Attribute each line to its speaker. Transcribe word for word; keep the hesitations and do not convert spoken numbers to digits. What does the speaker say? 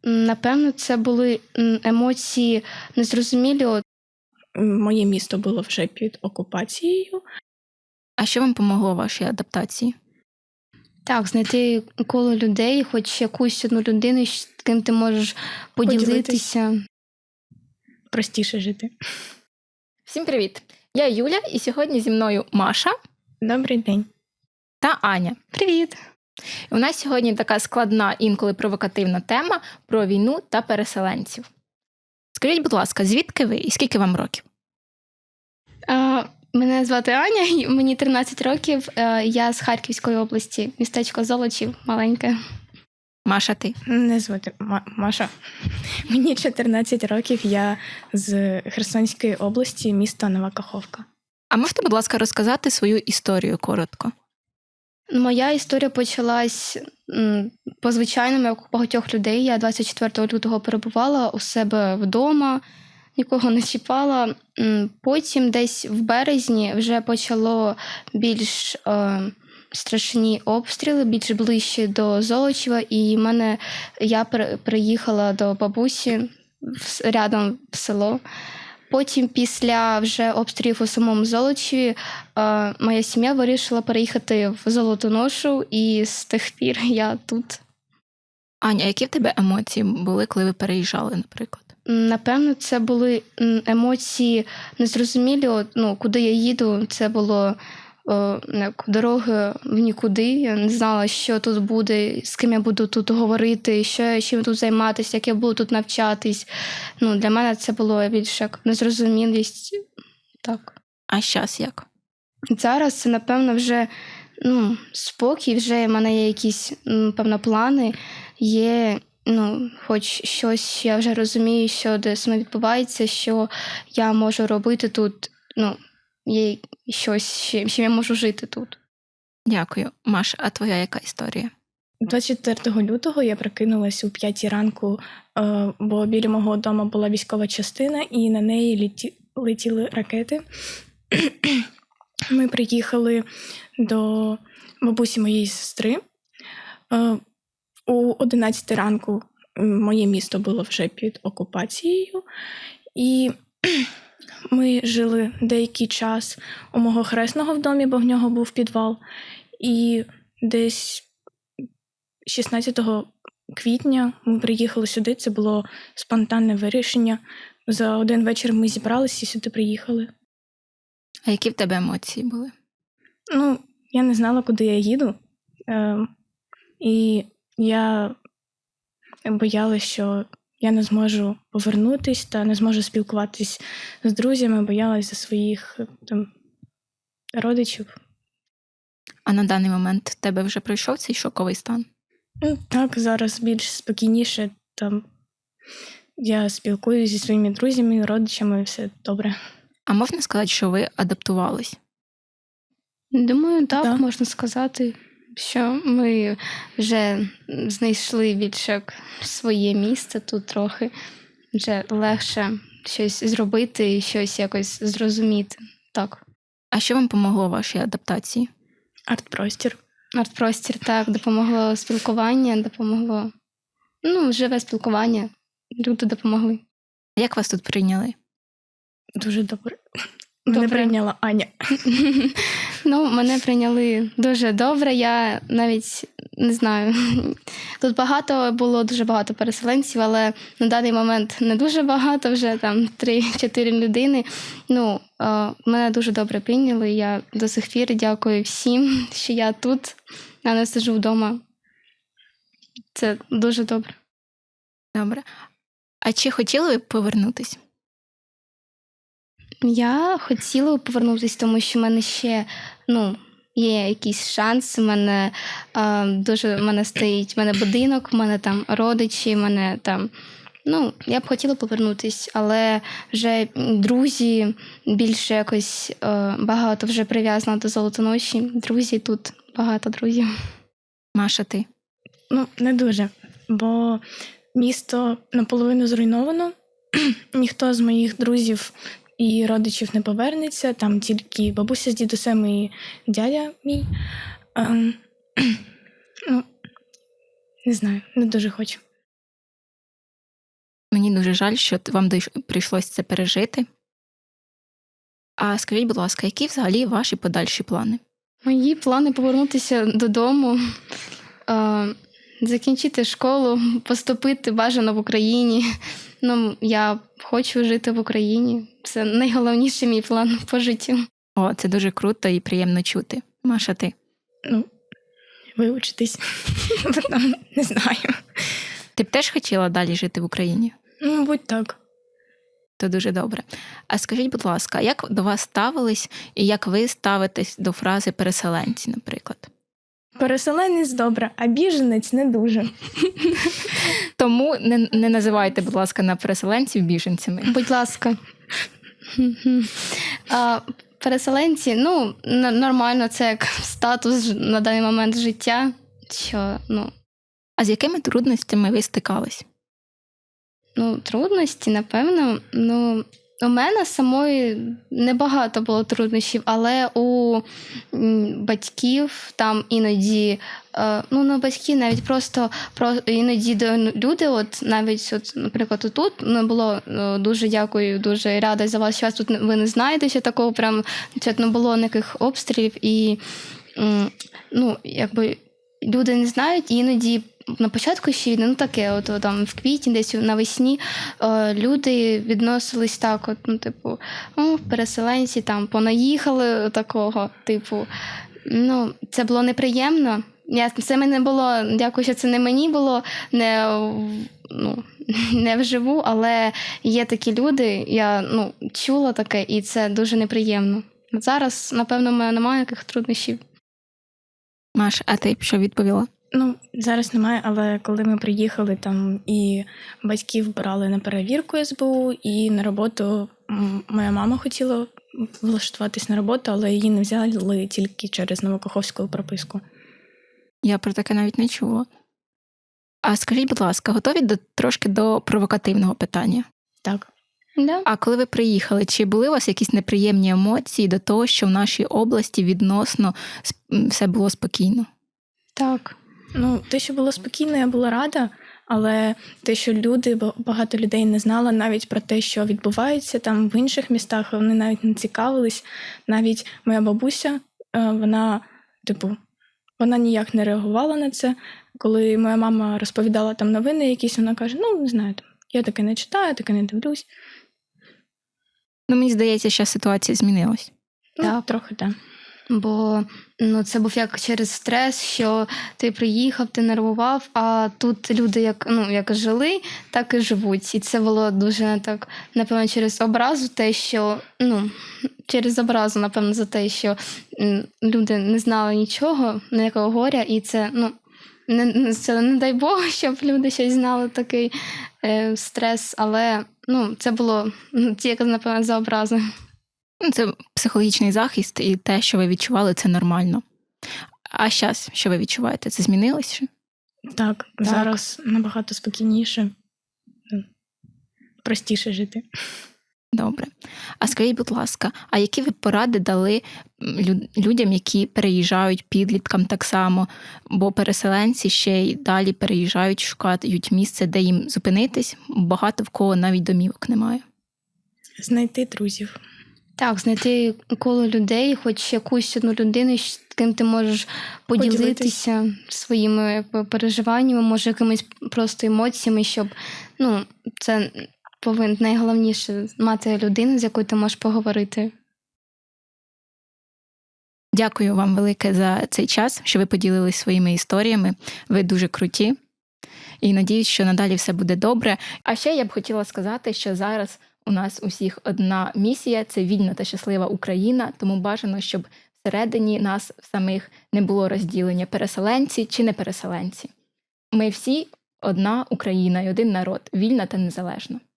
Speaker 1: М, Напевно, це були м, емоції незрозумілі. От,
Speaker 2: Моє місто було вже під окупацією.
Speaker 3: А що вам помогло в вашій адаптації?
Speaker 1: Так, знайти коло людей, хоч якусь одну людину, з ким ти можеш поділитися.
Speaker 2: Простіше жити.
Speaker 3: Всім привіт! Я Юля, і сьогодні зі мною Маша
Speaker 2: Добрий день.
Speaker 3: та Аня.
Speaker 1: Привіт!
Speaker 3: У нас сьогодні така складна, інколи провокативна тема про війну та переселенців. Скажіть, будь ласка, звідки ви і скільки вам років?
Speaker 1: А, мене звати Аня, і мені тринадцять років. Е, Я з Харківської області, містечко Золочів, маленьке.
Speaker 3: Маша, ти?
Speaker 2: Мене звати Ма- Маша. Мені чотирнадцять років, я з Херсонської області, місто Нова Каховка.
Speaker 3: А можете, будь ласка, розказати свою історію коротко?
Speaker 1: Моя історія почалась м, по звичайному, як у багатьох людей. Я двадцять четвертого лютого перебувала у себе вдома, нікого не чіпала. М, Потім десь в березні вже почало більш е, страшні обстріли, більш ближче до Золочева. І мене, я при- приїхала до бабусі в с- рядом в село. Потім, після вже обстрілів у самому Золочеві, е, моя сім'я вирішила переїхати в Золотоношу, і з тих пір я тут.
Speaker 3: Аня, які в тебе емоції були, коли ви переїжджали, наприклад?
Speaker 1: М, Напевно, це були м, емоції незрозумілі. От, ну, куди я їду, це було о, як дороги в нікуди. Я не знала, що тут буде, з ким я буду тут говорити, що я чим тут займатися, як я буду тут навчатись. Ну, для мене це було більше як незрозумілість. Так.
Speaker 3: А щас як?
Speaker 1: Зараз це, напевно, вже ну, спокій, вже в мене є якісь, м, певно, плани, є, ну, хоч щось, що я вже розумію, що де саме відбувається, що я можу робити тут, ну, є щось, чим чим я можу жити тут.
Speaker 3: Дякую. Маша, а твоя яка історія?
Speaker 2: двадцять четвертого лютого я прокинулась у п'ятій ранку, е, бо біля мого дому була військова частина, і на неї літі... летіли ракети. Ми приїхали до бабусі моєї сестри. Е, У одинадцятій ранку моє місто було вже під окупацією, і ми жили деякий час у мого хресного в домі, бо в нього був підвал. І десь шістнадцятого квітня ми приїхали сюди, це було спонтанне вирішення. За один вечір ми зібралися і сюди приїхали.
Speaker 3: А які в тебе емоції були?
Speaker 2: Ну, я не знала, куди я їду. Е, і я боялася, що я не зможу повернутись та не зможу спілкуватись з друзями, боялась за своїх там родичів.
Speaker 3: А на даний момент в тебе вже пройшов цей шоковий стан?
Speaker 2: Ну, так, зараз більш спокійніше. Там я спілкуюся зі своїми друзями, родичами, все добре.
Speaker 3: А можна сказати, що ви адаптувались?
Speaker 1: Думаю, так,
Speaker 2: Так.
Speaker 1: можна сказати, що ми вже знайшли більше як своє місце тут трохи, вже легше щось зробити і щось якось зрозуміти. Так.
Speaker 3: А що вам помогло в вашій адаптації?
Speaker 2: Арт-простір.
Speaker 1: Арт-простір, так, допомогло спілкування, допомогло, ну, живе спілкування, люди допомогли.
Speaker 3: Як вас тут прийняли?
Speaker 2: Дуже добре. Мене
Speaker 1: Добре.
Speaker 2: прийняла Аня.
Speaker 1: Ну, мене прийняли дуже добре, я навіть не знаю. Тут багато було, дуже багато переселенців, але на даний момент не дуже багато, вже там три-чотири людини. Ну, е, мене дуже добре прийняли, я до сих пір дякую всім, що я тут, а не сиджу вдома. Це дуже добре.
Speaker 3: Добре. А чи хотіли ви повернутись?
Speaker 1: Я хотіла повернутися, тому що в мене ще, ну, є якийсь шанс. У мене а, дуже в мене стоїть в мене будинок, в мене там родичі, в мене там. Ну, я б хотіла повернутися, але вже друзі більше якось е, багато вже прив'язано до Золотоноші. Друзі тут багато друзів.
Speaker 3: Маша, ти?
Speaker 2: Ну, не дуже, бо місто наполовину зруйновано. Ніхто з моїх друзів і родичів не повернеться, там тільки бабуся з дідусем і дядя мій. Ем, ну, не знаю, не дуже хочу.
Speaker 3: Мені дуже жаль, що т- вам дойш- прийшлось це пережити. А скажіть, будь ласка, які взагалі ваші подальші плани?
Speaker 1: Мої плани повернутися додому, е, закінчити школу, поступити бажано в Україні. Ну, я хочу жити в Україні. Це найголовніший мій план по життю.
Speaker 3: О, це дуже круто і приємно чути. Маша, ти?
Speaker 2: Ну, вивчитись. Потім не знаю.
Speaker 3: Ти б теж хотіла далі жити в Україні?
Speaker 2: Ну, мабуть, так.
Speaker 3: То дуже добре. А скажіть, будь ласка, як до вас ставились і як ви ставитесь до фрази переселенці, наприклад?
Speaker 2: Переселенець добре, а біженець не дуже.
Speaker 3: Тому не, не називайте, будь ласка, на переселенців біженцями.
Speaker 1: Будь ласка. А, переселенці, ну, н- нормально, це як статус ж- на даний момент життя. Що, ну,
Speaker 3: А з якими трудностями ви стикались?
Speaker 1: ну, трудності, напевно. Ну, у мене самої небагато було труднощів, але у м, батьків там іноді, е, ну, не батьки, навіть просто про іноді до- люди, от навіть, от, наприклад, тут ну, було е, дуже дякую, дуже рада за вас, що вас тут не- ви не знаєте, що такого прям що не було ніяких обстрілів, і м, ну, якби люди не знають, і іноді на початку ще війни, ну таке, от, от там в квітні, десь навесні, е, люди відносились так, от, ну, типу, о, переселенці там понаїхали такого, типу, ну, це було неприємно. Я, це мене було, дякую, що це не мені було, не, в- ну, не вживу, але є такі люди, я ну, чула таке, і це дуже неприємно. Зараз, напевно, в мене немає яких труднощів.
Speaker 3: Маш, а ти б що відповіла?
Speaker 2: Ну, зараз немає, але коли ми приїхали там і батьків брали на перевірку ес бе у, і на роботу м, моя мама хотіла влаштуватись на роботу, але її не взяли тільки через новокаховську прописку.
Speaker 3: Я про таке навіть не чула. А скажіть, будь ласка, готові до, трошки до провокативного питання?
Speaker 2: Так.
Speaker 1: Да?
Speaker 3: А коли ви приїхали, чи були у вас якісь неприємні емоції до того, що в нашій області відносно сп- м, все було спокійно?
Speaker 1: Так.
Speaker 2: Ну, те, що було спокійно, я була рада, але те, що люди, ба- багато людей не знало навіть про те, що відбувається там в інших містах, вони навіть не цікавились. Навіть моя бабуся, е, вона, типу, вона ніяк не реагувала на це. Коли моя мама розповідала там новини якісь, вона каже: ну, не знаю, там, я таке не читаю, таке не дивлюсь.
Speaker 3: Ну, мені здається, що ситуація змінилась.
Speaker 2: Ну,
Speaker 1: Так.
Speaker 2: трохи так.
Speaker 1: Бо ну, це був як через стрес, що ти приїхав, ти нервував, а тут люди як, ну, як жили, так і живуть. І це було дуже так, напевно, через образу, те, що ну, через образу, напевно, за те, що м, люди не знали нічого, ніякого горя, і це, ну, не, не- це не дай Бог, щоб люди щось знали такий е, стрес, але ну, це було ну, тільки, напевно, за образи.
Speaker 3: Ну, це психологічний захист, і те, що ви відчували, це нормально. А зараз, що ви відчуваєте, це змінилося?
Speaker 2: Так, зараз набагато спокійніше, ну, простіше жити.
Speaker 3: Добре. А скажіть, будь ласка, а які ви поради дали м, лю- людям, які переїжджають, підліткам так само, бо переселенці ще й далі переїжджають, шукають місце, де їм зупинитись, багато в кого навіть домівок немає.
Speaker 2: Знайти друзів.
Speaker 1: Так, знайти коло людей, хоч якусь одну людину, з ким ти можеш поділитися своїми якби, переживаннями, може, якимись просто емоціями, щоб ну, це повинно найголовніше мати людину, з якою ти можеш поговорити.
Speaker 3: Дякую вам велике за цей час, що ви поділились своїми історіями. Ви дуже круті. І надіюсь, що надалі все буде добре. А ще я б хотіла сказати, що зараз у нас усіх одна місія – це вільна та щаслива Україна, тому бажано, щоб всередині нас самих не було розділення переселенці чи не переселенці. Ми всі одна Україна і один народ, вільна та незалежна.